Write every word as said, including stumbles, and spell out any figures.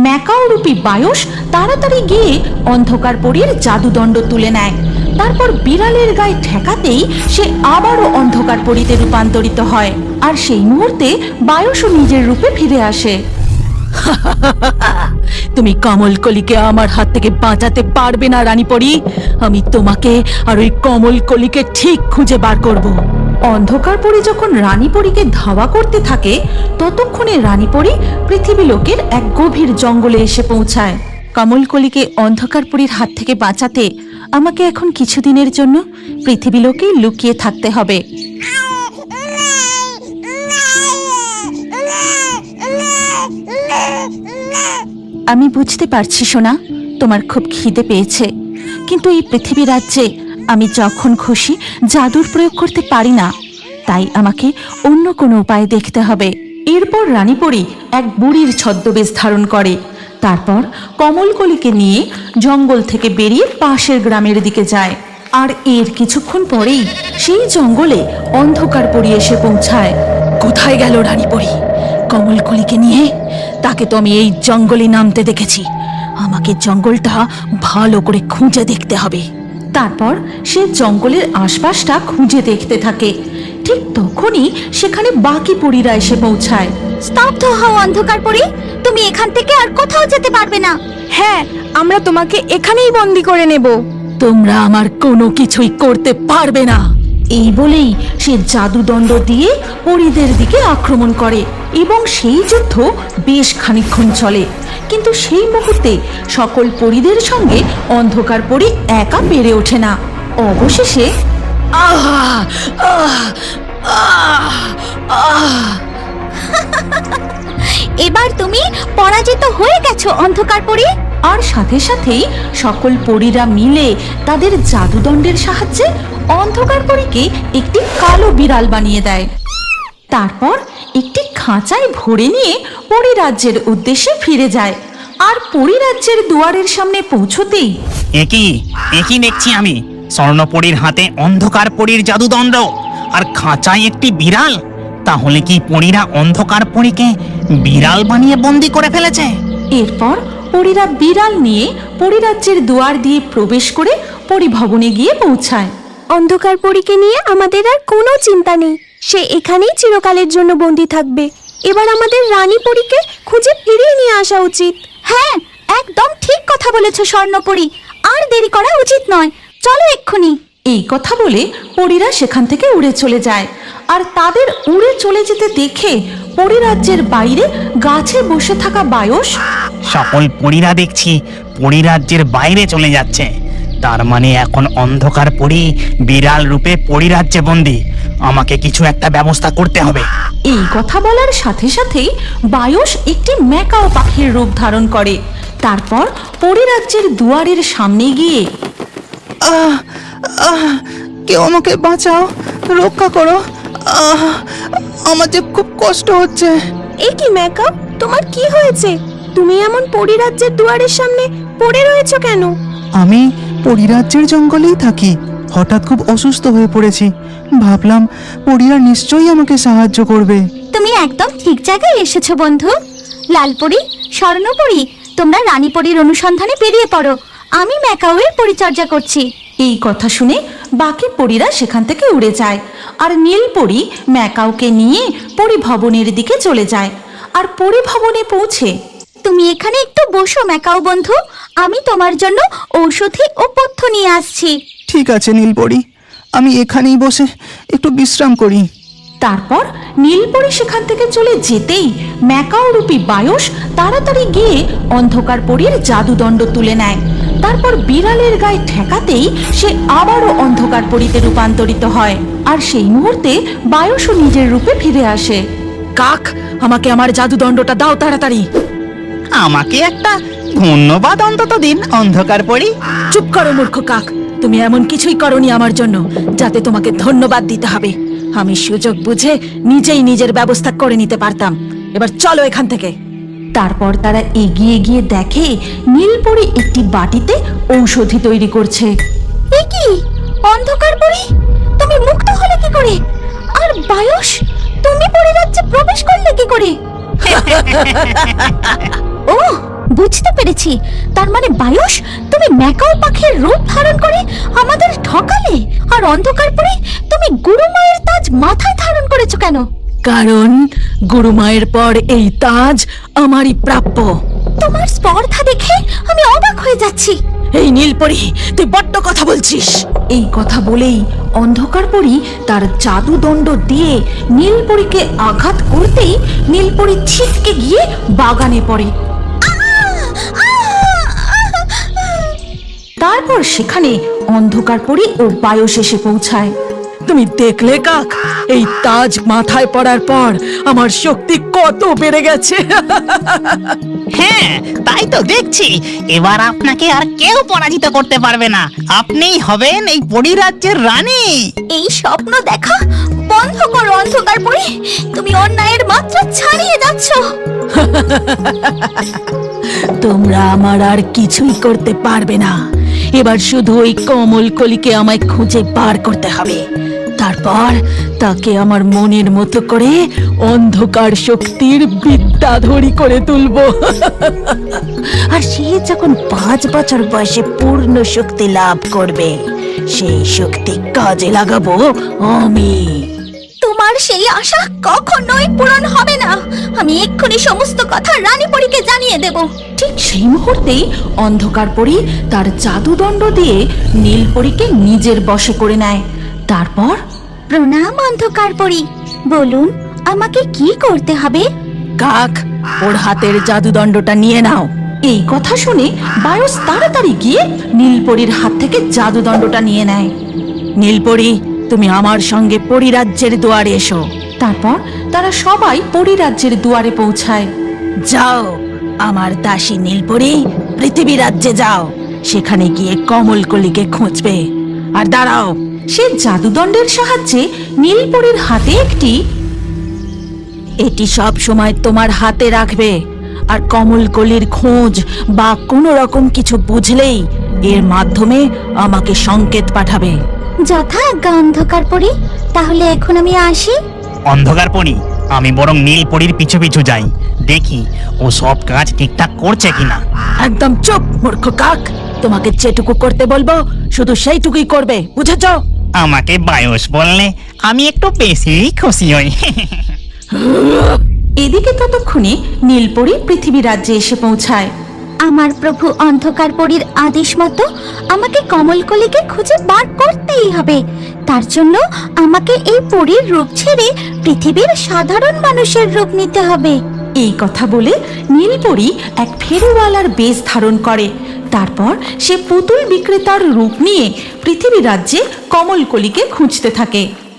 Macaw রূপী বায়স তাড়াতাড়ি গিয়ে অন্ধকার পরীর জাদুদণ্ড তুলে নেয়। তারপর বিড়ালের গায়ে ঠেকাতেই সে আবারও অন্ধকার পরীতে রূপান্তরিত হয়, আর সেই মুহূর্তে বায়সও নিজের রূপে ফিরে আসে। তুমি কমলকলিকে আমার হাত থেকে বাঁচাতে পারবে না রানীপরি। আমি তোমাকে আর ওই কমলকলিকে ঠিক খুঁজে বার করব। অন্ধকার পরী যখন রানীপরীকে ধাওয়া করতে থাকে ততক্ষণে রানীপরী পৃথিবী লোকের এক গভীর জঙ্গলে এসে পৌঁছায়। কমলকলিকে অন্ধকার পরীর হাত থেকে বাঁচাতে আমাকে এখন কিছুদিনের জন্য পৃথিবী লোকেই লুকিয়ে থাকতে হবে। আমি বুঝতে পারছি সোনা, তোমার খুব খিদে পেয়েছে, কিন্তু এই পৃথিবী রাজ্যে আমি যখন খুশি জাদুর প্রয়োগ করতে পারি না, তাই আমাকে অন্য কোনো উপায় দেখতে হবে। এরপর রানীপরী এক বুড়ির ছদ্মবেশ ধারণ করে। তারপর কমলকলিকে নিয়ে জঙ্গল থেকে বেরিয়ে পাশের গ্রামের দিকে যায়। আর এর কিছুক্ষণ পরেই সেই জঙ্গলে অন্ধকার পরী এসে পৌঁছায়। কোথায় গেল রানীপরী? কমলকলিকে নিয়ে? তাকে তো আমি এই জঙ্গলে নামতে দেখেছি। আমাকে জঙ্গলটা ভালো করে খুঁজে দেখতে হবে। তারপর সে জঙ্গলের আশপাশটা খুঁজে দেখতে থাকে। ঠিক তখনই সেখানে বাকি পরীরা এসে পৌঁছায়। স্তব্ধ হও অন্ধকার পরী, তুমি এখান থেকে আর কোথাও যেতে পারবে না। হ্যাঁ, আমরা তোমাকে এখানেই বন্দি করে নেব। তোমরা আমার কোনো কিছুই করতে পারবে না। এই বলেই সে জাদুদণ্ড দিয়ে পরীদের দিকে আক্রমণ করে এবং সেই যুদ্ধ বেশ খানিকক্ষণ চলে। কিন্তু সেই মুহূর্তে সকল পরীদের সঙ্গে অন্ধকার পরী একা পেরে ওঠে না। অবশেষে আহ আহ আহ আহ এবার তুমি পরাজিত হয়ে গেছো অন্ধকার পরী। আর সাথে সাথেই সকল পরীরা মিলে তাদের জাদুদণ্ডের সাহায্যে অন্ধকার পরীকে একটি কালো বিড়াল বানিয়ে দেয়। তারপর একটি খাঁচায় ভরে নিয়ে পরীরাজ্যের উদ্দেশ্যে ফিরে যায়। আর পরীরাজ্যের দুয়ারের সামনে পৌঁছতেই একই একই দেখছি আমি, স্বর্ণপরীর হাতে অন্ধকার পরীর জাদুদণ্ড আর খাঁচায় একটি বিড়াল। তাহলে কি পরীরা অন্ধকার পরীকে বিড়াল বানিয়ে বন্দি করে ফেলেছে? এরপর পরীরা বিড়াল নিয়ে পরীরাজ্যের দুয়ার দিয়ে প্রবেশ করে পরীভবনে গিয়ে পৌঁছায়। অন্ধকার পরীকে নিয়ে আমাদের আর কোনো চিন্তা নেই, সে এখানেই চিরকালের জন্য বন্দি থাকবে। এবার আমাদের রানী পরীকে খুঁজে ফিরিয়ে নিয়ে আসা উচিত। হ্যাঁ, একদম ঠিক কথা বলেছো স্বর্ণপরী, আর দেরি করা উচিত নয়, চলো এক্ষুনি। এই কথা বলে পরীরা সেখান থেকে উড়ে চলে যায়। আর তাদের উড়ে চলে যেতে দেখে পরীরাজ্যের বাইরে গাছে বসে থাকা বায়স সকল পরীরা দেখছি পরীরাজ্যের বাইরে চলে যাচ্ছে। তার মানে এখন অন্ধকার পরী বিড়াল রূপে পরীরাজ্যে বন্দি। আমাকে কিছু একটা ব্যবস্থা করতে হবে। এই কথা বলার সাথে সাথেই বায়স একটি ম্যাকাও পাখির রূপ ধারণ করে। তারপর পরীরাজ্যের দুয়ারের সামনে গিয়ে আহ আহ কেউ আমাকে বাঁচাও, রক্ষা করো, আহ আমার যে খুব কষ্ট হচ্ছে। এ কি ম্যাকাও, তোমার কি হয়েছে? তুমি এমন পরীরাজ্যের দুয়ারের সামনে পড়ে রয়েছো কেন? আমি পরীরাজ্যের জঙ্গলেই থাকি, হঠাৎ খুব অসুস্থ হয়ে পড়েছি। ভাবলাম পরীরা নিশ্চয়ই আমাকে সাহায্য করবে। তুমি একদম ঠিক জায়গায় এসেছো বন্ধু। লালপরি, স্বর্ণপরি, তোমরা রানীপরির অনুসন্ধানে বেরিয়ে পড়ো। আমি ম্যাকাওয়ের পরিচর্যা করছি। এই কথা শুনে বাকি পরীরা সেখান থেকে উড়ে যায়। আর নীলপরি ম্যাকাওকে নিয়ে পরীভবনের দিকে চলে যায়। আর পরীভবনে পৌঁছে তুমি এখানে একটু বসো ম্যাকাও বন্ধু, আমি তোমার জন্য ঔষধি ও পথ্য নিয়ে আসছি। ঠিক আছে নীলপরি, আমি এখানেই বসে একটু বিশ্রাম করি। তারপর নীলপরি সেখান থেকে চলে যেতেই ম্যাকাও রূপী বায়স তাড়াতাড়ি গিয়ে অন্ধকার পরীর জাদুদণ্ড তুলে নেয়। তারপর বিড়ালের গায়ে ঠেকাতেই সে আবারও অন্ধকার পরীতে রূপান্তরিত হয়। আর সেই মুহূর্তে বায়সও নিজের রূপে ফিরে আসে। কাক, আমাকে আমার জাদুদণ্ডটা দাও তাড়াতাড়ি। আমাকে একটা ধন্যবাদ অন্তত দিন অন্ধকার পরী। চুপ করো মূর্খ কাক, তুমি এমন কিছুই করনি আমার জন্য যাতে তোমাকে ধন্যবাদ দিতে হবে। আমি সুযোগ বুঝে নিজেই নিজের ব্যবস্থা করে নিতে পারতাম। এবার চলো এখান থেকে। তারপর তারা এগিয়ে গিয়ে দেখে নীলপরি একটি বাটিতে ঔষধি তৈরি করছে। এ কি অন্ধকার পরী, তুমি মুক্ত হলে কি করে? আর বায়স, তুমি পরীরাজ্যে প্রবেশ করলে কি করে? ও পাচ্ছি। তার মানে বায়ুষ, তুমি ম্যাকাও পাখির রূপ ধারণ করে আমাদের ঠকালে। আর অন্ধকার পরে তুমি গুরুমায়ের তাজ মাথায় ধারণ করেছো কেন? কারণ গুরুমায়ের পর এই তাজ আমারই প্রাপ্য। তোমার স্পর্ধা দেখে আমি অবাক হয়ে যাচ্ছি। এই নীলপরি, তুই বড্ড কথা বলছিস। এই কথা বলেই অন্ধকার পরী তার জাদুদণ্ড দিয়ে নীলপরীকে আঘাত করতেই নীলপরি ছিটকে গিয়ে বাগানে পড়ে। তারপর সেখানে অন্ধকার পরী ও বায়স এসে পৌঁছায়। তুমি দেখলে কাক, এই তাজ মাথায় পড়ার পর আমার শক্তি কত বেড়ে গেছে। হ্যাঁ, তাই তো দেখছি। এবার আপনাকে আর কেউ পরাজিত করতে পারবে না। আপনিই হবেন এই পরিরাজ্যের রানী। এই স্বপ্ন দেখা বন্ধ করো অন্ধকার পরে। তুমি অন্যায়ের মাত্রা ছাড়িয়ে যাচ্ছ। তোমরা আমার আর কিছুই করতে পারবে না। এবার শুধু ওই কমল কলিকে আমায় খুঁজে বার করতে হবে। তারপর তাকে আমার মনের মতো করে অন্ধকার শক্তির বিদ্যাধরী করে তুলব। আর সে যখন পাঁচ বছর বয়সে পূর্ণ শক্তি লাভ করবে, সেই শক্তি কাজে লাগাবো আমি। তোমার সেই আশা কখনোই পূরণ হবে না। আমি এক্ষুনি সমস্ত কথা রানীপরীকে জানিয়ে দেব। ঠিক সেই মুহূর্তেই অন্ধকার পরী তার জাদুদণ্ড দিয়ে নীলপরীকে নিজের বশে করে নেয়। তারপর প্রণাম অন্ধকার পরী, বলুন আমাকে কি করতে হবে? কাক, ওর হাতের জাদুদণ্ডটা নিয়ে নাও। এই কথা শুনে বায়স তাড়াতাড়ি গিয়ে নীলপরীর হাত থেকে জাদুদণ্ডটা নিয়ে নেয়। নীলপরী, তুমি আমার সঙ্গে পরিরাজ্যের দুয়ারে এসো। তারপর তারা সবাই পরিরাজ্যের দুয়ারে পৌঁছায়। যাও আমার দাসী নীলপরী, পৃথিবী রাজ্যে যাও। সেখানে গিয়ে কমলকলিকে খুঁজবে। আর দাঁড়াও, সে জাদুদণ্ডের সাহায্যে নীলপরীর হাতে একটি এটি সব সময় তোমার হাতে রাখবে। আর কমলকলির খোঁজ বা কোনো রকম কিছু বুঝলেই এর মাধ্যমে আমাকে সংকেত পাঠাবে। যথা আজ্ঞা অন্ধকার পরী, তাহলে এখন আমি আসি। অন্ধকার পরি, আমি বরং নীলপরির পিছু পিছু যাই, দেখি ও সব কাজ ঠিকঠাক করছে কিনা। একদম চুপ মূর্খ কাক, তোমাকে যেটুকু করতে বলবো শুধু সেইটুকুই করবে, বুঝেছ? আমাকে বায়স বললে আমি একটু বেশি খুশি হই। এদিকে ততক্ষণে নীলপরি পৃথিবী রাজ্যে এসে পৌঁছায়। আমার প্রভু অন্ধকার পরীর আদেশ মতো আমাকে কমলকলিকে খুঁজে বার করতেই হবে। তার জন্য আমাকে এই পরীর রূপ ছেড়ে পৃথিবীর সাধারণ মানুষের রূপ নিতে হবে। এই কথা বলে নীলপরি এক ফেরিওয়ালার বেশ ধারণ করে। তারপর সে পুতুল বিক্রেতার রূপ নিয়ে পৃথিবী রাজ্যে কমলকলিকে খুঁজতে থাকে।